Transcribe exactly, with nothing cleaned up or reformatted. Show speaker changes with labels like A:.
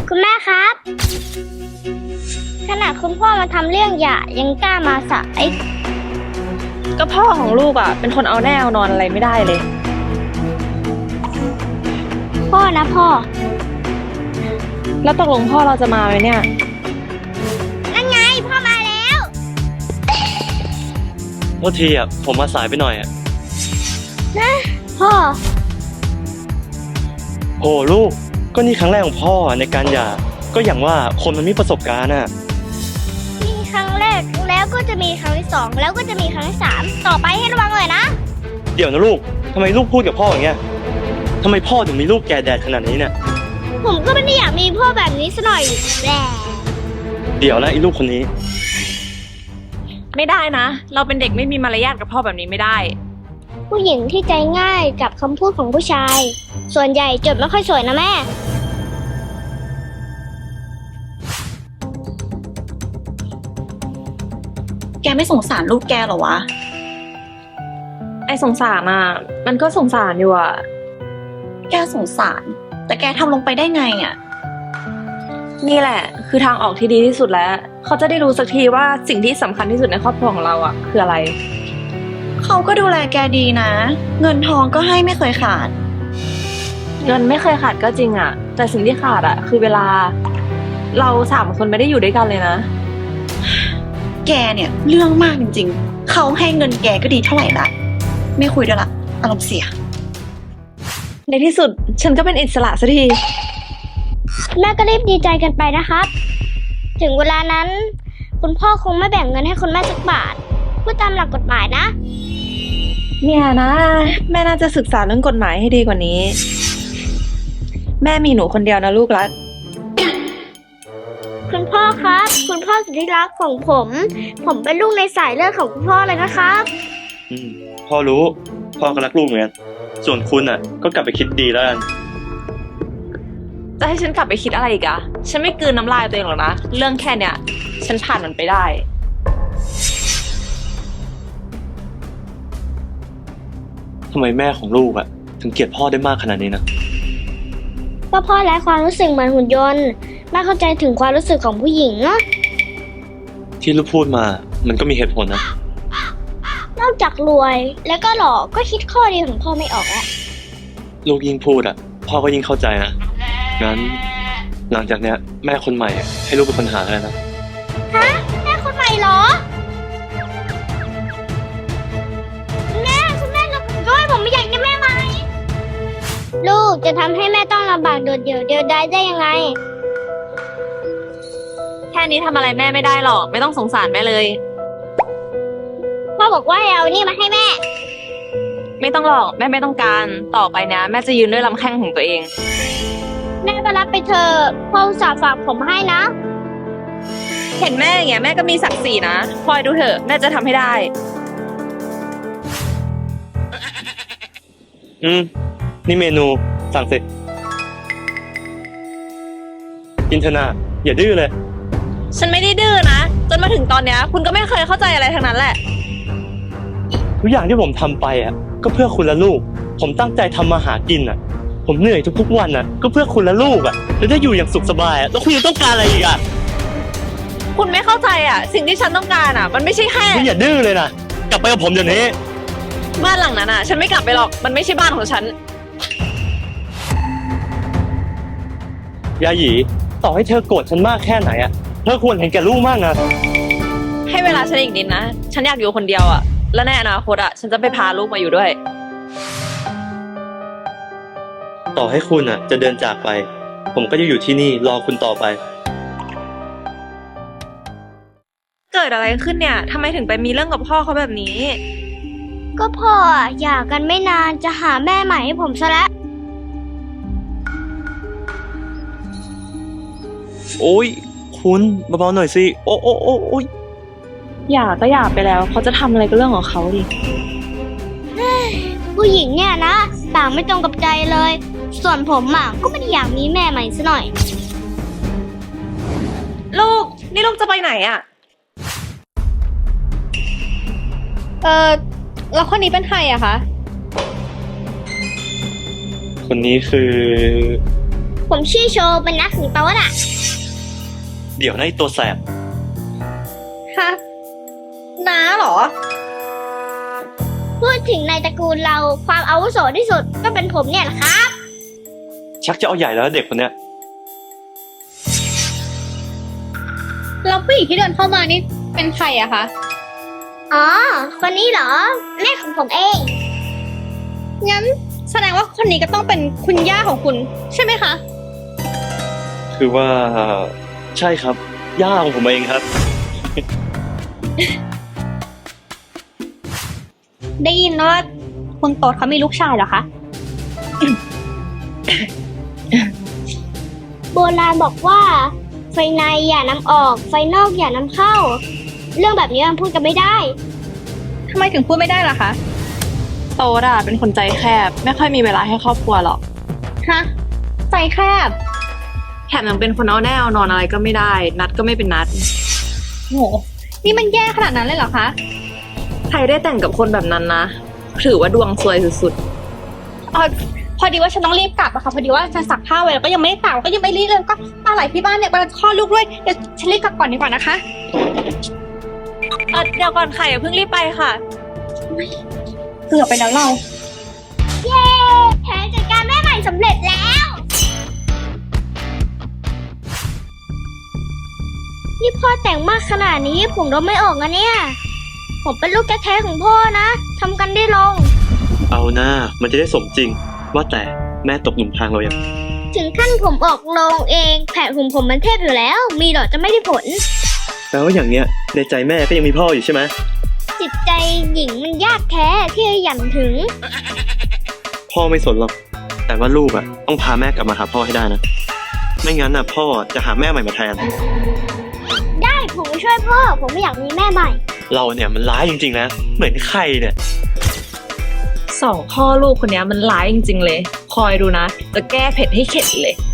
A: คุณแม่ครับขนาดคุณพ่อมาทำเรื่องหย่ายังกล้ามาสาย
B: ก็พ่อของลูกอ่ะเป็นคนเอาแน่เอานอนอะไรไม่ได้เลย
A: พ่อนะพ่อ
B: แล้วตกลงพ่อเราจะมาไหมเนี่ย
A: นั่นไงพ่อมาแล้ว
C: โทษทีอ่ะผมมาสายไปหน่อยอ่ะ
A: นะพ่อ
C: โอ้ลูกก็นี่ครั้งแรกของพ่อในการหย่าก็อย่างว่าคนมันมีประสบการณ์อ่ะ
A: มีครั้งแรกแล้วก็จะมีครั้งที่สองแล้วก็จะมีครั้งที่สามต่อไปให้ระวังเลยนะ
C: เดี๋ยวนะลูกทำไมลูกพูดกับพ่ออย่างเงี้ยทำไมพ่อถึงมีลูกแก่แดดขนาดนี้เนี่ย
A: ผมก็ไม่ได้อยากมีพ่อแบบนี้ซะหน่อยแหละ
C: เดี๋ยวนะไอ้ลูกคนนี้
B: ไม่ได้นะ เราเป็นเด็กไม่มีมารยาทกับพ่อแบบนี้ไม่ได้
A: ผู้หญิงที่ใจง่ายกับคำพูดของผู้ชาย ส่วนใหญ่จบไม่ค่อยสวยนะแม่
D: แกไม่สงสารลูกแกเหรอวะ
B: ไอ้สงสารอ่ะมันก็สงสารอยู่อ่ะ
D: แกสงสาร แต่แกทำลงไปได้ไงอ่ะ
B: นี่แหละ คือทางออกที่ดีที่สุดแล้ว เขาจะได้รู้สักทีว่าสิ่งที่สำคัญที่สุดในครอบครัวของเราอ่ะคืออะไร
D: เขาก็ดูแลแกดีนะ เงินทองก็ให้ไม่เคยขาด
B: เงินไม่เคยขาดก็จริงอ่ะ แต่สิ่งที่ขาดอ่ะคือเวลา เราสามคนไม่ได้อยู่ด้วยกันเลยนะ
D: แกเนี่ยเรื่องมากจริงๆ เขาให้เงินแกก็ดีเท่าไหร่ละไม่คุยด้วยละอารมณ์เสีย
B: ในที่สุดฉันก็เป็นอิสระสักที
A: แม่ก็รีบดีใจกันไปนะครับ ถึงเวลานั้น คุณพ่อคงไม่แบ่งเงินให้คุณแม่สักบาทพูดตามหลักกฎหมายนะ
B: เนี่ยนะ แม่น่าจะศึกษาเรื่องกฎหมายให้ดีกว่านี้ แม่มีหนูคนเดียวนะลูกรัก
A: คุณพ่อครับ คุณพ่อสุดที่รักของผม ผมเป็นลูกในสายเลือดของคุณพ่อเลยนะครับ
C: อืมพ่อรู้พ่อก็รักลูกเหมือนกันส่วนคุณอ่ะก็กลับไปคิดดีแล้วกัน
B: จะให้ฉันกลับไปคิดอะไรอีกอะฉันไม่กลืนน้ำลายตัวเองหรอกนะ เรื่องแค่เนี้ยฉันผ่านมันไปได้
C: ทำไมแม่ของลูกอ่ะถึงเกลียดพ่อได้มากขนาดนี้นะ
A: ก็พ่อไร้ความรู้สึกเหมือนหุ่นยนต์ไม่เข้าใจถึงความรู้สึกของผู้หญิงเนาะ
C: ที่ลูกพูดมามันก็มีเหตุผลนะ
A: นอกจากรวยแล้วก็หล่อก็คิดข้อดีของพ่อไม่ออกแล้ว
C: ลูกยิ่งพูดอ่ะพ่อก็ยิ่งเข้าใจนะงั้นหลังจากเนี้ยแม่คนใหม่ให้ลูกเป็นคนหาแล้วนะ
A: ฮะแม่คนใหม่เหรอแม่คุณแม่กับผมด้วยผมไม่อยากได้แม่ใหม่ลูกจะทำให้แม่ต้องลำบากโดดเดี่ยวเดียวดายได้ยังไง
B: แค่นี้ทำอะไรแม่ไม่ได้หรอก ไม่ต้องสงสารแม่เลย
A: พ่อบอกว่าให้เอานี่มาให้แม่
B: ไม่ต้องหรอกแม่ไม่ต้องการ ต่อไปนะแม่จะยืนด้วยลำแข้งของตัวเอง
A: แม่ก็รับไปเถอะพ่ออุตส่าห์ฝากผมให้นะ
B: เห็นแม่อย่างเงี้ยแม่ก็มีศักดิ์ศรีนะคอยดูเถอะแม่จะทำให้ได้
C: อืมนี่เมนูสั่งเสร็จกินเถอะนะอย่าดื้อเลย
B: ฉันไม่ได้ดื้อนะ จนมาถึงตอนเนี้ยคุณก็ไม่เคยเข้าใจอะไรทั้งนั้นแหละ
C: ทุกอย่างที่ผมทำไปอ่ะก็เพื่อคุณและลูกผมตั้งใจทำมาหากินอ่ะผมเหนื่อยทุกๆวันอ่ะก็เพื่อคุณและลูกอ่ะแล้วได้อยู่อย่างสุขสบายอ่ะแล้วคุณยังต้องการอะไรอีกอ่ะ
B: คุณไม่เข้าใจอ่ะ สิ่งที่ฉันต้องการอ่ะ มันไม่ใช่แค่
C: คุณอย่าดื้อเลยนะกลับไปกับผมเดี๋ยวนี้
B: บ้านหลังนั้นอ่ะ ฉันไม่กลับไปหรอกมันไม่ใช่บ้านของฉัน
C: ยาหยีต่อให้เธอโกรธฉันมากแค่ไหนอ่ะเธอควรเห็นแก่ลูกมากนะ
B: ให้เวลาฉันอีกนิดนะ ฉันอยากอยู่คนเดียวอ่ะ และในอนาคตอ่ะ ฉันจะไปพาลูกมาอยู่ด้วย
C: ต่อให้คุณอ่ะจะเดินจากไป ผมก็จะอยู่ที่นี่รอคุณต่อไป
B: เกิดอะไรขึ้นเนี่ยทำไมถึงไปมีเรื่องกับพ่อเขาแบบนี้
A: ก็พ่ออะหย่ากันไม่นานจะหาแม่ใหม่ให้ผมซะแล้ว
C: โอ้ยคุณเบาๆหน่อยสิโอ้โอ้โอ้โอ้ย
B: อย่าก็อย่าไปแล้วเขาจะทำอะไรก็เรื่องของเขาดิ
A: ผู้หญิงเนี่ยนะต่างไม่ตรงกับใจเลย ส่วนผมอ่ะก็ไม่ได้อยากมีแม่ใหม่ซะหน่อย
B: ลูกนี่ลูกจะไปไหนอ่ะ
E: เออแล้วคนนี้เป็นใครอะคะ
C: คนนี้คือ
A: ผมชื่อโชว์เป็นนักถึงโต๊ะน่ะ
C: เดี๋ยวนะไอ้ตัวแสบ
E: ฮะ น้าเหรอ
A: พูดถึงในตระกูลเราความอาวุโสที่สุดก็เป็นผมเนี่ยแหละครับ
C: ชักจะเอาใหญ่แล้วเด็กคนเนี้ย
E: แล้วผู้หญิงที่เดินเข้ามานี่เป็นใครอะคะ
A: อ๋อ คนนี้เหรอ แม่ของผมเอง
E: งั้นแสดงว่าคนนี้ก็ต้องเป็นคุณย่าของคุณ ใช่ไหมคะ
C: คือว่า ใช่ครับ ย่าของผมเองครับ
E: ได้ยินว่าคุณโต๊ดเขามีลูกชายเหรอคะ
A: โบราณบอกว่า ไฟในอย่านำออก ไฟนอกอย่านำเข้า เรื่องแบบนี้มันพูดกันไม่ได้
E: ทำไมถึงพูดไม่ได้ล่ะคะ
B: โตดอะเป็นคนใจแคบ ไม่ค่อยมีเวลาให้ครอบครัวหรอก
E: ฮะ ใจแคบ
B: แถมยังเป็นคนเอาแน่เอานอนอะไรก็ไม่ได้ นัดก็ไม่เป็นนัด
E: โห นี่มันแย่ขนาดนั้นเลยเหรอคะ
B: ใครได้แต่งกับคนแบบนั้นนะ ถือว่าดวงซวยสุด
E: เออพอดีว่าฉันต้องรีบกลับอะค่ะพอดีว่าฉันซักผ้าไว้แล้วก็ยังไม่ได้ตากก็ยังไม่รีบเลยก็มาไหลที่บ้านเนี่ยกำลังจะคลอดลูกด้วยเดี๋ยวฉันรีบกลับก่อนดีกว่านะคะ
B: ๆเออเดี๋ยวก่อนค่ะอย่าเพิ่งรีบไปค่ะ
E: เกือบไปแล้วเรา
A: เย้แผนจัดการแม่ใหม่สำเร็จแล้ว นี่พ่อแต่งมากขนาดนี้ผมรบไม่ออกนะเนี่ย ผมเป็นลูกแท้ๆของพ่อนะทำกันได้ลง
C: เอาหน้า มันจะได้สมจริง ว่าแต่แม่ตกหลุมพรางเรายัง
A: ถึงขั้นผมออกโรงเอง แผนของผมมันเทพอยู่แล้ว มีหรอจะไม่ได้ผล
C: แปลว่าอย่างเนี้ย ในใจแม่ก็ยังมีพ่ออยู่ใช่ไหม
A: จิตใจหญิงมันยากแท้ที่จะหยั่นถึง
C: พ่อไม่สนหรอก แต่ว่าลูกอะต้องพาแม่กลับมาหาพ่อให้ได้นะ ไม่งั้นน่ะพ่อจะหาแม่ใหม่มาแทน
A: ได้ผมไปช่วยพ่อ ผมไม่อยากมีแม่ใหม่
C: เราเนี่ยมันร้ายจริงๆนะ เหมือนใครเนี่ย
B: สองพ่อลูกคนเนี้ยมันร้ายจริงๆเลย คอยดูนะ จะแก้เผ็ดให้เข็ดเลย